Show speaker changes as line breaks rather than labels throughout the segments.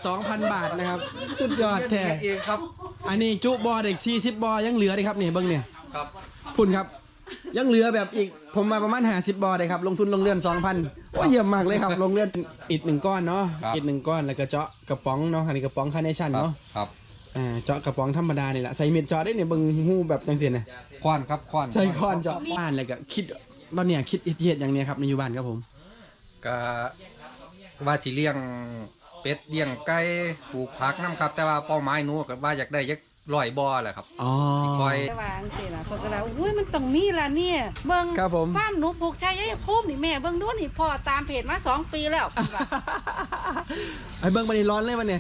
2,000 บาทนะครับสุดยอดแท้
เองครับ
อันนี้จุบอเด็ก40บอยังเหลือเลยครับนี่เบิ้งเนี่ย
ครับ
คุณครับยังเหลือแบบอีกผมมาประมาณ50บอเลยครับลงทุนลงเรือน 2,000โอ้เยี่ยมมากเลยครับลงเรือนอิฐ1ก้อนเนาะอิฐ1ก้อนแล้วก็เจาะกระป๋องเนาะอันนี้กระป๋องคาร์เนชั่นเนาะ
ครับ
เจาะกระป๋องธรรมดานี่แหละใส่เม็ดเจาะได้เนี่ยเบิ้งหูแบบจังเสียนนะ
ควานครับควาน
ใส่ค้อนเจาะบ้านอะไรก็คิดตอนเนี้ยคิดเฮ็ดอย่างเนี้ยครับในอยู่บ้านครับผม
ก็ว่าสิเลี้ยงเป็ดเลี้ยงไก่ปลูกผักน้ำครับแต่ว่าเป้าหมายหนูก็ว่าอยากได้ยัก100 บ่อแหละครับ
อ๋อ
คอยว่าจังซี่ล่ะเพิ่นก็แล้วอุ้ยมันต้องมีล่ะเนี่ยเบิ่ง
ครับผม
ฟาร์มหนูปลูกชายภูมินี่แม่เบิ่งดูนี่พ่อตามเพจมา2 ปีแล้วเพิ่นว่า
ไอ้เบิ่งมันนี่ร้อนเลยมันเนี่ย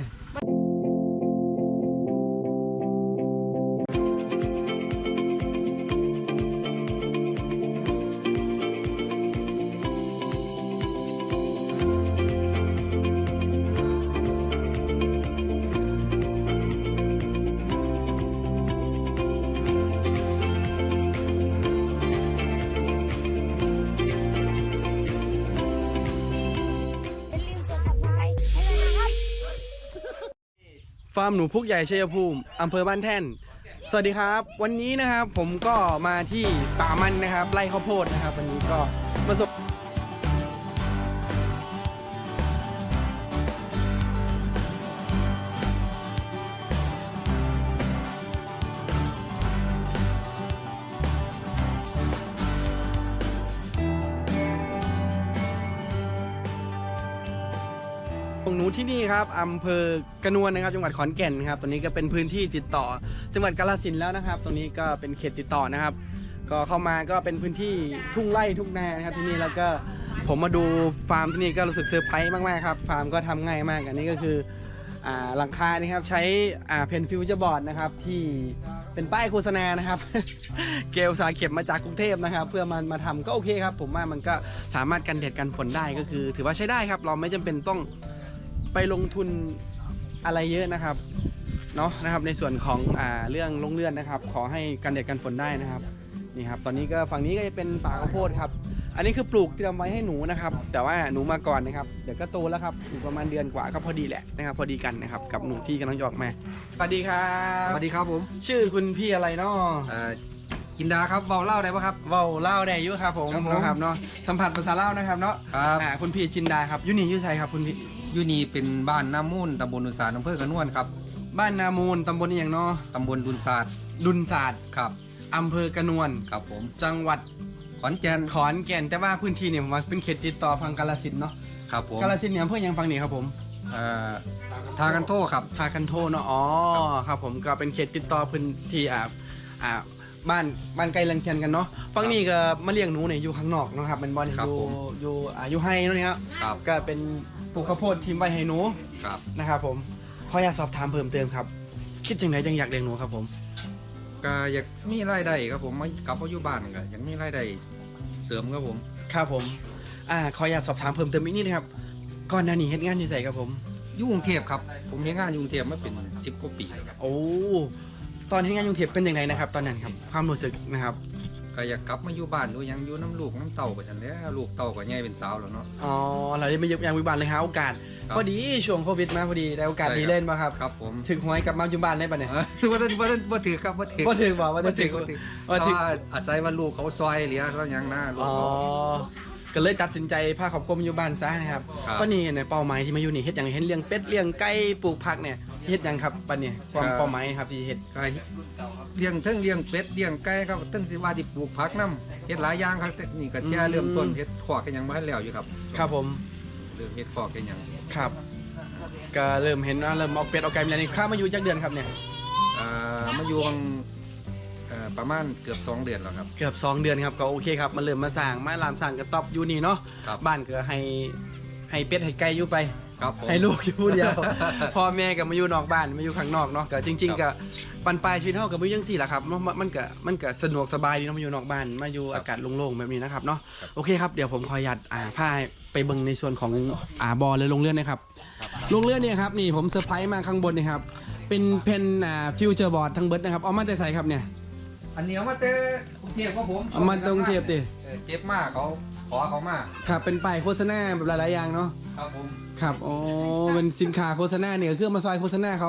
ฟาร์มหนูพุกใหญ่ชัยภูมิอำเภอบ้านแท่นสวัสดีครับวันนี้นะครับผมก็มาที่ป่ามันนะครับไร่ข้าวโพดนะครับวันนี้ก็ประสบของหนูที่นี่ครับอำเภอกระนวนนะครับจังหวัดขอนแก่นครับตอนนี้ก็เป็นพื้นที่ติดต่อจังหวัดกาฬสินธุ์แล้วนะครับตรงนี้ก็เป็นเขตติดต่อนะครับก็เข้ามาก็เป็นพื้นที่ทุ่งไร่ทุ่งนานะครับที่นี่แล้วก็ผมมาดูฟาร์มที่นี่ก็รู้สึกเซอร์ไพรส์มากๆครับฟาร์มก็ทำง่ายมากอันนี้ก็คือหลังคานี่ครับใช้เพนฟิวเจอร์บอร์ดนะครับที่เป็นป้ายโฆษณานะครับ เกลสาเก็บมาจากกรุงเทพนะครับเพื่อมันมาทำก็โอเคครับผมว่ามันก็สามารถกันแดดกันฝนได้ก็คือถือว่าใช้ได้ครับเราไม่จำเป็นต้องไปลงทุนอะไรเยอะนะครับเนาะนะครับในส่วนของเรื่องลงเลื่อนนะครับขอให้กันแดดกันฝนได้นะครับนี่ครับตอนนี้ก็ฝั่งนี้ก็จะเป็นป่าข้าวโพดครับอันนี้คือปลูกเตรียมไว้ให้หนูนะครับแต่ว่าหนูมาก่อนนะครับเดี๋ยวก็โตแล้วครับอยู่ประมาณเดือนกว่าก็พอดีแหละนะครับพอดีกันนะครับกับหนูที่กำลังออกมาสวัสดีครับ
สวัสดีครับผม
ชื่อคุณพี่อะไรเนาะ
กินดาครับเว้าเล่าได้ปะครับ
เว้าเล่าได้อยู่ครับผมนะครับเนาะสัมผัสภาษาเล่านะครับเนาะ
ครับ
คุณพี่จินดาครับอยู่นี่อยู่ไสครับคุณพี่
อยู่นี่เป็นบ้านน้ำมูลตำบลดุนศาสตร์อำเภอกระนวนครับ
บ้านนามูลตำบลนี่อย่างเนาะ
ตำบลดุนศาสตร์ครับ
อำเภอกระนวน
ครับผม
จังหวัด
ขอนแก่น
แต่ว่าพื้นที่เนี่ยผมว่าเป็นเขตติดต่อฝั่งกาฬสินธุ์เนาะ
ครับผม
กาฬสินธุ์เนี่ยอำเภอยังฝั่งนี้ครับผม
ทากันโทครับ
ทากันโทเนาะอ๋อครับผมก็เป็นเขตติดต่อพื้นที่บ้านไกลเรือนเคียงกันเนาะฝั่งนี้ก็มาเลี้ยงหนูเนี่ยอยู่ข้างนอกนะครับเป็นบอลอยู่ไฮเนาะเนี่ยครับก็เป็นปลูกข้าวโพดทีมไว้ให้หนูนะครับผมขออยากสอบถามเพิ่มเติมครับคิดจังไหนจังอยากเลี้ยงหนูครับผม
ก็อยากมีรายได้ครับผมมากลับมาอยู่บ้านก็อยากมีรายได้เสริมครับผม
ครับผมขออยากสอบถามเพิ่มเติมอีกนิดนะครับก่อนหน้านี้เฮ็ดงานอยู่ไสครับผม
อยู่กรุงเทพครับผมเฮ็ดงานอยู่กรุงเทพมาเป็น10 กว่าปีครับ
โอ้ตอนเฮ็ดงานอยู่กรุงเทพเป็นยังไงนะครับตอนนั้นครับความรู้สึกนะครับ
ก็อยากกลับมาอยู่บ้านอยู่ยังอยู่น้ำลูกน้ำเต่ากันแล้วลูกเต่าก็ใหญ่เป็นสาวแล้วเนาะ
อ๋อเราได้มาอยู่บ้านเลยหาโอกาสพอดีช่วงโควิดมาพอดีได้โอกาสดีเล่นมาครับ
ครับผม
ถึงหวยกลับมาอยู่บ้านได้ปะเนี่ย
บ่ถือครับบ่ถือ
บอกว่าถือ
อาศัยว่าลูกเขาซอยเหลือแล้วยังนะลูกเขา
ก็เลยตัดสินใจพาครอบครัวมาอยู่บ้านซะนะครับตอนนี้เนี่ยเป้าหมายที่มาอยู่นี่เฮ็ดอย่างเห็นเลี้ยงเป็ดเลี้ยงไก่ปลูกผักเนี่ยเฮ็ดอย่างครับปะเนี่ยความเป้าหมายครับที่เฮ็ด
เลี้ยงเป็ดเลี้ยงไก่ครับตั้งแต่ว่าที่ปลูกผักน้ำเฮ็ดหลายอย่างครับนี่ก็แค่เริ่มต้นเฮ็ดขอกกันยังบ่ทันแล้วอยู่ครับ
ครับผม
เริ่มเฮ็ดขอกกันยัง
ครับก็เริ่มเห็นว่าเริ่มเอาเป็ดเอาไก่มาแล้วนี่ข้ามาอยู่จักเดือนครับเนี่ย
มาอยู่ประมาณเกือบ2 เดือนแล้วครับ
เกือบ2 เดือนครับก็โอเคครับมันเริ่มมาสร้างมาลามสร้างกระต๊อบอยู่นี่เนาะบ้านก็ให้เป็ดให้ไก่อยู่ไปให้ลูกอยู่ผู้เดียวพ่อแม่ก็มาอยู่นอกบ้านมาอยู่ข้างนอกเนาะก็จริงๆก็ปันปลายชีวิตเฮาก็บ่จังซี่ล่ะครับมันก็สะดวกสบายดีเนาะมาอยู่นอกบ้านมาอยู่อากาศโล่งๆแบบนี้นะครับเนาะโอเคครับเดี๋ยวผมขออนุญาตพาไปเบิ่งในส่วนของบ่อเลยลงเรือนนะครับลงเรือนเนี่ยครับนี่ผมเซอร์ไพรส์มาข้างบนนี่ครับเป็นเพนฟิวเจอร์บอร์ดทั้งเบิดนะครับเอามาแต่ใส่ครับเนี่ย
อันนี้เอามาแต่กรุงเทพครับผม
เอามาแต่กรุงเทพดิ
เก็บมากเขาขอเขามา
ครับเป็นป้ายโฆษณาแบบหลายๆอย่างเนาะ
ครับผม
ครับโอ้เป็นสินค้าโฆษณาเนี่ยก็คือมาซอยโฆษณาเขา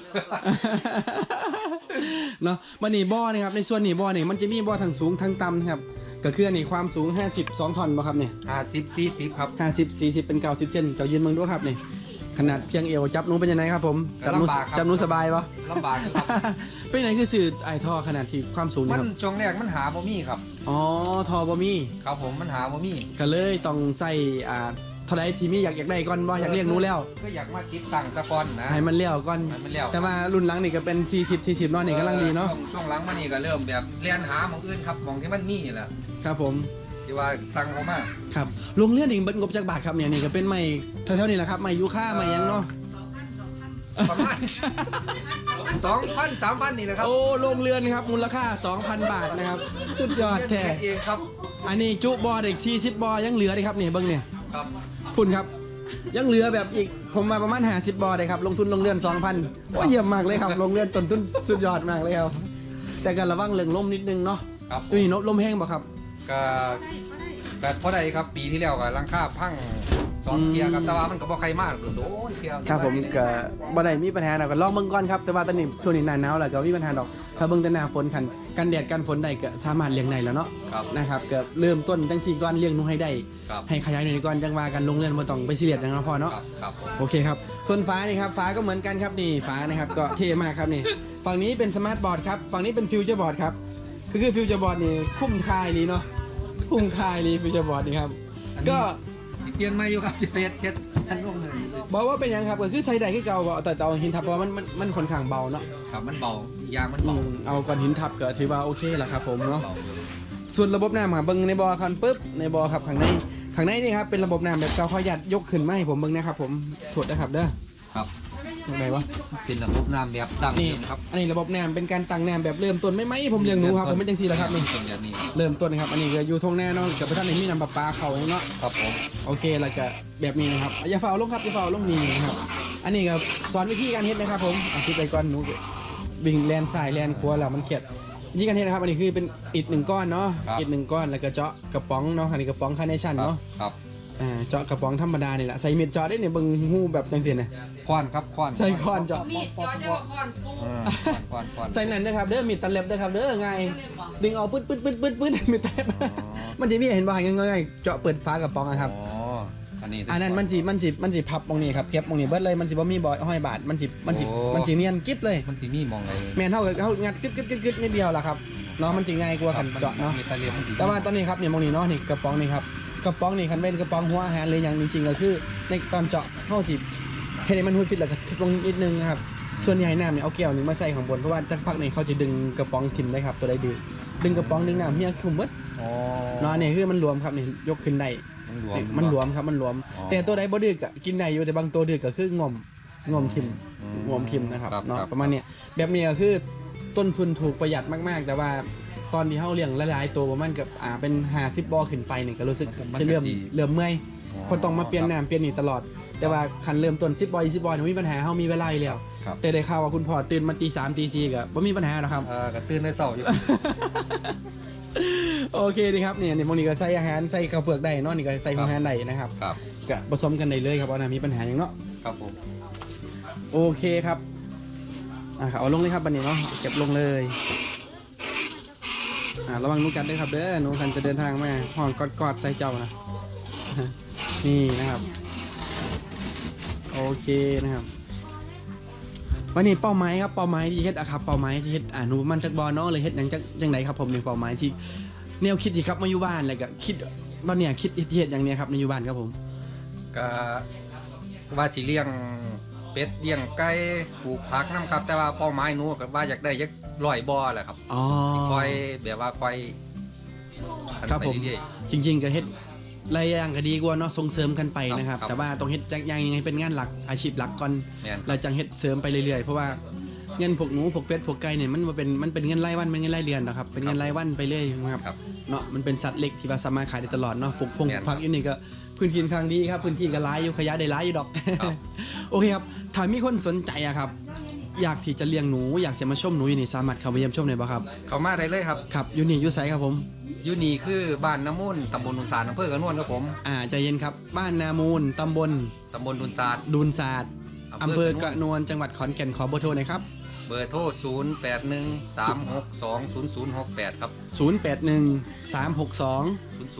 เนาะบันนี้บ่อนี่ครับในส่วนนี้บ่อนี่มันจะมีบ่อทั้งสูงทั้งต่ำครับก็คืออันนี้ความสูง52 ท่อนบ่ครับเนี่ย
50 40ครับ
50 40เป็น90 เซนเจ้ายืนเมืองดูครับนี่ขนาดเพียงเอวจับหนูเป็นยังไงครับผมจับหนู
ลำบากครับ
จับหนูสบายปะ
ลำบากอยู่ครับ
เป็นไหนคือสื่อไอท่อขนาดที่ความสูง
มั
นี่
น
ครับ
ช่วงแรกมันหาบ่มีครับ
อ๋อท่อบ่มี
ครับผมมันหาบ่มี
ก็เลยต้องใส่เท่าไรที่มีอยากได้ก่อนบ่อยากเรียกหนูแล้ว
ก็อยากมาติดตั้งตะกอนนะ
ให้มันเลี้ยวก่อน
ให้มันแล้ว
แต่ว่ารุ่นหลังนี่ก็เป็น40 เนาะนี่กำลังดีเนาะ
ช่วงหลังมานี่ก็เริ่มแบบเรียนหาหมองอื่นครับหมองที่มันมีนี่แหละ
ครับผม
ที่ว่าสั่งเขามา
ครับโรงเรียนนี่เบิดงบจักบาทครับเนี่ยนี่ก็เป็นไม้เท่าๆนี่แหละครับไม้ยูคาไม้หยังเนาะ
ประมาณ 2,000 3,000นี่นะครับ
โอ้โรงเรือนครับมูลค่า 2,000 บาทนะครับสุดยอดแท้
เองครับ
อันนี้จุบอเด็ก40บอยังเหลือเลยครับนี่เบิ้งเนี่ย
ครับ
คุณครับ ยังเหลือแบบอีกผมมาประมาณ50บอเลยครับลงทุนลงเรือน 2,000โอ้เยี่ยมมากเลยครับลงเรือนต้นทุนสุดยอดมากเลยครับแต่การระวังเรื่องลมนิดนึงเนาะ
ครับ
นี่ลมแห้งบ่ครับ
ก็พอได้ครับปีที่แล้วก็หลังคาพัง2 เที่ยครับแต่ว่ามันก็บ่ใครมากโดนเที่ยว
ครับผมก็บ่ได้มีปัญหานะก็ลองเบิ่งก่อนครับแต่ว่าตอนนี้ช่วงนี้หน้าหนาวแล้วก็มีปัญหาดอกถ้าเบิ่งแต่หน้าฝนกันแดดกันฝนได้ก็สามารถเลี้ยงได้แล้วเนาะ
ครับ
นะครับก็เริ่มต้นจังซี่ก่อนเลี้ยงหนูให้ได้
ครับ
ให้ขยายหน่อยก่อนจังว่ากันลงเรือนบ่ต้องไปซีเรียสจังเนาะพ่อเนาะ
ครับครับผม
โอเคครับส่วนฟ้านี่ครับฟ้าก็เหมือนกันครับนี่ฟ้านะครับก็เท่มากครับนี่ฝั่งนี้เป็นสมาร์ทบอร์ดครับฝั่งนี้เป็นฟิวเจอร์บอร์ดครับคือฟิวเจอร์บอร์ดนี่คุ้มค่ายนี่เนาะคุ้มค่ายนี่ฟิวเจอร์บอร์ดนี่ครับก็
สิเปลี่ยนใหม่อยู่ครับสิเปลี่ยนเฮ็ดอันลงเลย
บอกว่าเป็นหยังครับก็คือใส่ได้คือเก่าบ่แต่เอาหินทับเพราะว่ามันค่อนข้างเบาเนาะ
ครับมันเบาอีกอย่างมันเบา
เอาก้อนหินทับก็ถือว่าโอเคแหละครับผมเนาะ
เบาอยู่
ส่วนระบบน้ำครับเบิ้งในบอคันปุ๊บในบอครับข้างในนี่ครับเป็นระบบน้ำแบบเก่าขออนุญาตยกขึ้นมาให้ผมเบิ้งนะครับผมถวดนะครับเด้อ
ครับ
ตรงไหนวะ
เป็นระบบน้ำแบบดั้ง
นี่
เดิมครับ
อันนี้ระบบน้ำเป็นการตั้งน้ำแบบเริ่มต้นไม่ผมเลี้ยงหนูครับผมเป็นจังซี่แหละครับนี่
เป็นแบบนี้
เริ่มต้นนะครับอันนี้ก็อยู่ทงแน่เนาะกับพระท่านในมีน้ำประปาเขาเนาะ
ครับผม
โอเคแล้วก็แบบนี้นะครับอย่าฝ่าลงครับอย่าฝ่าลงนี่นะครับอันนี้ก็สอนวิธีการเฮ็ดนะครับผมคิดไปก่อนหนูวิ่งแลนซ้ายแลนขวาแล้วมันเขียดวิธีการเฮ็ดนะครับอันนี้คือเป็นอิฐ1 ก้อนเนาะอิฐ1 ก้อนแล้วก็เจาะกระป๋องเนาะอันนี้กระป๋องคาร์เนชั่นเนาะ
ครับ
เจาะกระป๋องธรรมดานี่แหละใส่เม็ดเจาะได้เนี่ยเบิ่งหูแบบจังซี่นะ
ควานครับควาน
ใส่ค้อนเจาะ
มีดจอจะว่าคอนปู
ควาน
ใส่นั่นนะครับเด้อมีดตัดเล็บนะครับเด้อง่ายดึงเอาปึ๊ดมีดตัดเล็บมันจะมีเห็นบ่ง่ายๆเจาะเปิดฝากระป๋องอะครับ
อ๋ออันนี้
อันนั้นมันสิพับตรงนี้ครับเก็บตรงนี้เบิดเลยมันสิบ่มีบ่ห้อยบาทมันสิเนียนกิ๊บเลย
มันสิมีมองไง
แม่นเท่ากับเขางัดกึดนิดเดียวล่ะครับเนาะมันสิง่ายกว่ากันเจาะเนาะ
มีตะเลียมมันสิ
แต่ว่าตอนนี้ครับเนี่ยมองนี่เนาะนี่กระป๋องนี่ครับกระป๋องนี่คันเป็นกระป๋องหัวอาหารเลยอย่างจริงๆก็คือในตอนเจาะเฮาสิเฮ็ดให้มันหุดฟิตแล้วก็ทุบลงนิดนึงนะครับส่วนใหญ่น้ำเนี่ยเอาแก้วนึงมาใส่ข้างบนเพราะว่าจักพักนี่เขาจะดึงกระป๋องทิ่มได้ครับตัวใดดึงกระป๋องดึงน้ำเฮียคือหมด
อ๋อ
เนาะนี่คือมันรวมครับนี่ยกขึ้นได้
มันหลวม
ครับมันหลวม
อ๋อ
แต่ตัวใดบ่ดึกอะกินได้อยู่แต่บางตัวดึกก็คืองอมทิม งวมทิมนะครับ
ครับ
เนาะ
ครับ
ประมาณเนี้ยแบบนี้ก็คือต้นทุนถูกประหยัดมากๆ แต่ว่าตอนที่เฮาเลี้ยงหลายๆตัวประมาณกับเป็น50บ่อขึ้นไปนี่ก็รู้สึกจะเริ่มเมื่อยเพราะต้องมาเปลี่ยนน้ำเปลี่ยนนี่ตลอด แต่ว่าคันเริ่มต้น10บ่อ20บ่อนี่มีปัญหาเฮามีเวลาอยู่แล้ว
ครับ
แต่ได้ข่าวว่าคุณพ่อตื่นมาตี 3ตี 4ก็บ่มีปัญหาหรอกครับ
ก็ตื่นได้เช้าอยู่
โอเคดีครับเนี่ยพวกนี้ก็ใส่อาหารใส่ข้าวเปลือกได้เนาะนี่ก็ใส่อาหารได้นะครับ
ครับ
ก็ผสมกันได้เลยครับว่ามีปัญหาอย่างเนาะ
ครับผม
โอเคครับครับเอาลงเลยครับบันนี้เนาะเก็บลงเลยระวังหนูกัดด้วยครับเด้อหนูกันจะเดินทางมาห้องกอดใส่เจ้านะ นี่นะครับโอเคนะครับวันนี้เป้าหมายครับเป้าหมายที่เฮ็ดอะครับเป้าหมายที่เฮ็ดหนูมันจักบอลเนาะเลยเฮ็ดหยังจังไหนครับผมในเป้าหมายที่แนวคิดที่ครับมาอยู่บ้านอะไรก็คิดตอนเนี้ยคิดเฮ็ดอย่างเนี้ยครับในอยู่บ้านครับผม
ก็ว่าสิเลี้ยงเป็ดเลี้ยงไก่ปลูกผักน้ำครับ แต่ว่าเป้าหมายหนูก็ว่าอยากได้ยัก100 บ่อแหละครับ
อ๋อ
คอยแบบว่าคอย
ครับผม
ไปเรื่อย
จริงๆก็เฮ็ดหลายอย่างก็ดีกว่าเนาะส่งเสริมกันไปนะครับ
ครับ
แต่ว่าต้องเฮ็ดอย่างยังไงเป็นงานหลักอาชีพหลักก่อน
ๆแม่น
เราจังเฮ็ดเสริมไปเรื่อยๆเพราะว่าเงินพวกหนูพวกเป็ดพวกไก่เนี่ยมันเป็นเงินรายวันเป็นเงินรายเดือนนะครับเป็นเงินรายวันไปเรื่อยนะครับ
ครับ
เนาะมันเป็นสัตว์เล็กที่ว่าสามารถขายได้ตลอดเนาะปลูกพง
แม่น
ผักอยู่นี่ก็พื้นที่ค่อนข้างดีครับพื้นที่ก็หลายอยู่ขยะได้หลายอยู่ดอก
ครับ
โอเคครับถ้ามีคนสนใจอะครับอยากที่จะเลี้ยงหนูอยากจะมาชมหนูอยู่นี่สามารถเข้าไปเยี่ยมชมได้บ่ครับ
เขามาได้เลยครับ
ครับอยู่นี่อยู่ไสครับผม
อยู่นี่คือบ้านน้ำมูลตำบลดุนสารอำเภอกระนวนครับผม
ใจเย็นครับบ้านนามูลตำบล
ดุนสาร
ดูนศาสตร์อำเภอกระนวลจังหวัดขอนแก่นขอเบอร์โทรหน่อยครับ
เบอร์โทร0813620068ครับ
081 362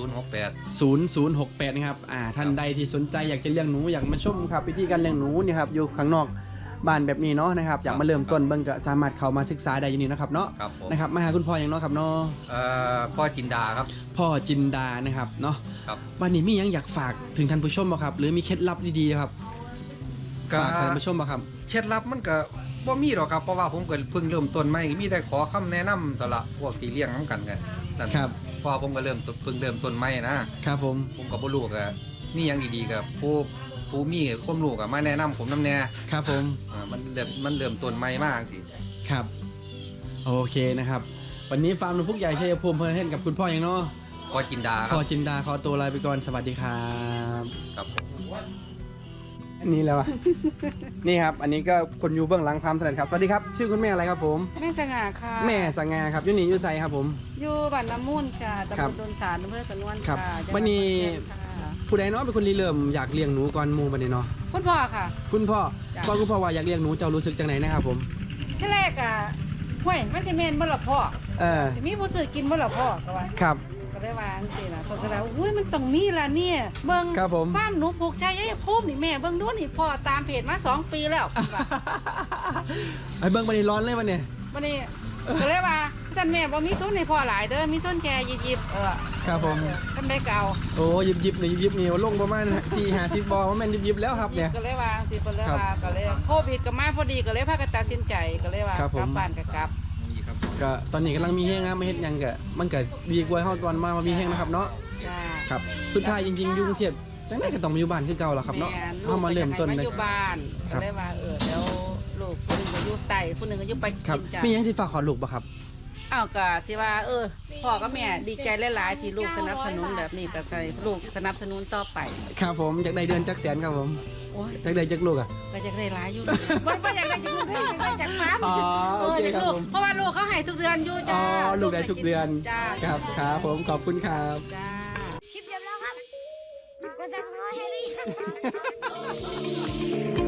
0068
0068นะครับท่านใดที่สนใจอยากจะเลี้ยงหนูอยากมาชมครับวิธีการเลี้ยงหนูเนี่ยครับอยู่ข้างนอกบ้านแบบนี้เนาะนะครับอยากมาเริ่มต้นเบิ่งก็สามารถเข้ามาศึกษาได้อยู่นี่นะครับเนาะ
ครับผม
นะครับมาหาคุณพ่ออย่างเนาะครับเนาะ
พ่อจินดาครับ
พ่อจินดานะครับเนาะ
ครับ
วันนี้มีหยังอยากฝากถึงท่านผู้ชมบ่ครับหรือมีเคล็ดลับดีๆครับฝากท่านผู้ชมบ่ครับ
เคล็ดลับมันก็บ่มีหรอกครับเพราะว่าผมก็เพิ่งเริ่มต้นใหม่มีแต่ขอคำแนะนำตละพวกที่เลี้ยงน้ำกันกันนั่น
ครับ
เพราะว่าผมก็เพิ่งเริ่มต้นใหม่นะครับ
ผม
ผมก็บ่รู้ก็มีหยังดีๆกับผู้มีความรู้ก็มาแนะนำผมนำแน่
ครับผม
มันเริ่มต้นใหม่มากสิ
ครับโอเคนะครับวันนี้ฟาร์มนกพุกใหญ่ชัยภูมิเพลินเทนกับคุณพ่ออย่างเนาะ
พ่อจินดาครั
พ่อบ จินดาขอตัวลาไปก่อนสวัสดีครับ
ครับผม
อันนี้แล้วอะ นี่ครับอันนี้ก็คนอยู่เบื้องหลังความถนัดครับสวัสดีครับชื่อคุณแม่อะไรครับผม
แม่สง่าค่ะ
แม่สังงาครับอยูนี่อยูไซครับผม
อยู่บ้านน้ำมูลค่ะตำ
ครับ บ
ลดนสารอำเภอกระนวล
ครับ
ค่ะจังห
วันนี้
ขอแก่ค่ะ
ผู้ใดเนาะเป็นคนริเริ่มอยากเลี้ยงหนูก่อนหมูบันนี้เนาะ
คุณพ่อค่ะ
คุณพ่อ
จ้ะ
ก่อนคุณพ่อว่าอยากเลี้ยงหนูเจ้ารู้สึกจังไหนนะครับผม
ที่แรกอ่ะห้วยมันจะเมนบ่ละพ่อ
เออ
สิมีผู้ซื้อกินบ่ละพ่อก็ว่า
ครับ
ก็ได้วาจังซี่ล่ะเขาก็แล้วอุ้ยมันต้องมีล่ะเนี่ยเบิ่ง
ครับผม
ฟาร์มหนูผูกใจไอ้ภูมินี่แม่เบิ่งดูนี่พ่อตามเพจมา2 ปีแล้วว่า
ไอ้เบิ้งบันนี้ร้อนเลยวันนี้
วันนี้ก็เลยว่าท่านแม่บ่มีทุนให้พ่อหลายเด้อมีทุนแค่ยิบ
ครับผม
ท่านได้เก่า
โอ้ยิบนี่ลงประมาณ4-50บอลว่าแม่นยิบแล้วครับเนี่ย
ก็เลยว่าสิเพิ่นเลย
ครับ
ว่าก็เลยโควิดก็มาพอดีก็เลยพากันตัดสินใจก็เลยว่า
ครับผม
กลับบ้านก็กลับ
นี่ครับผม
ก็ตอนนี้กำลังมีแห้งนะไม่เฮ็ดหยังก็มันก็ดีกว่าเฮาตอนมามีแห้งนะครับเนาะ
จ้า
ครับสุดท้ายจริงๆอยู่กรุงเทพจังได๋ก็ต้องมาอยู่บ้านคือเก่าล่ะครับเนาะ
แม่
เฮามาเริ่มต้น
เล
เลย
อยู่บ้าน
ครั
ก็
บ
เลยว่าเดี๋ยวลูกคนหนึงก็อยู่ใต้คนหนึงก็อยู่ไป
ครับ
กินจ้า
มีหยังสิฝากขอลูกบ่ครับ
อ้าวก็ที่ว่าพ่อกับแม่ดีใจหลายๆที่ลูกสนับสนุนแบบนี้ก็ใส่ลูกสนับสนุนต่อไป
ครับผมอยากได้เดือนจักแสนครับผม
โอ้ย
อยากได้จักลูกอ่ะ
ก็จะได้หลายอยู่ดีบ่อยากได้จากลูกให้ได้จากฟาร์ม
อ๋อโอเค
จาก
ครับ
ลูก
ผม
เพราะว่าลูกเขาให้ทุกเดือนอยู่
อ๋
จ้า
อลูกได้ทุกเดือน
จ้า
ครับครับผมขอบคุณครับ
จ้า
คลิปจบแล้วครับ กดซับสไครต์ให้หรือยัง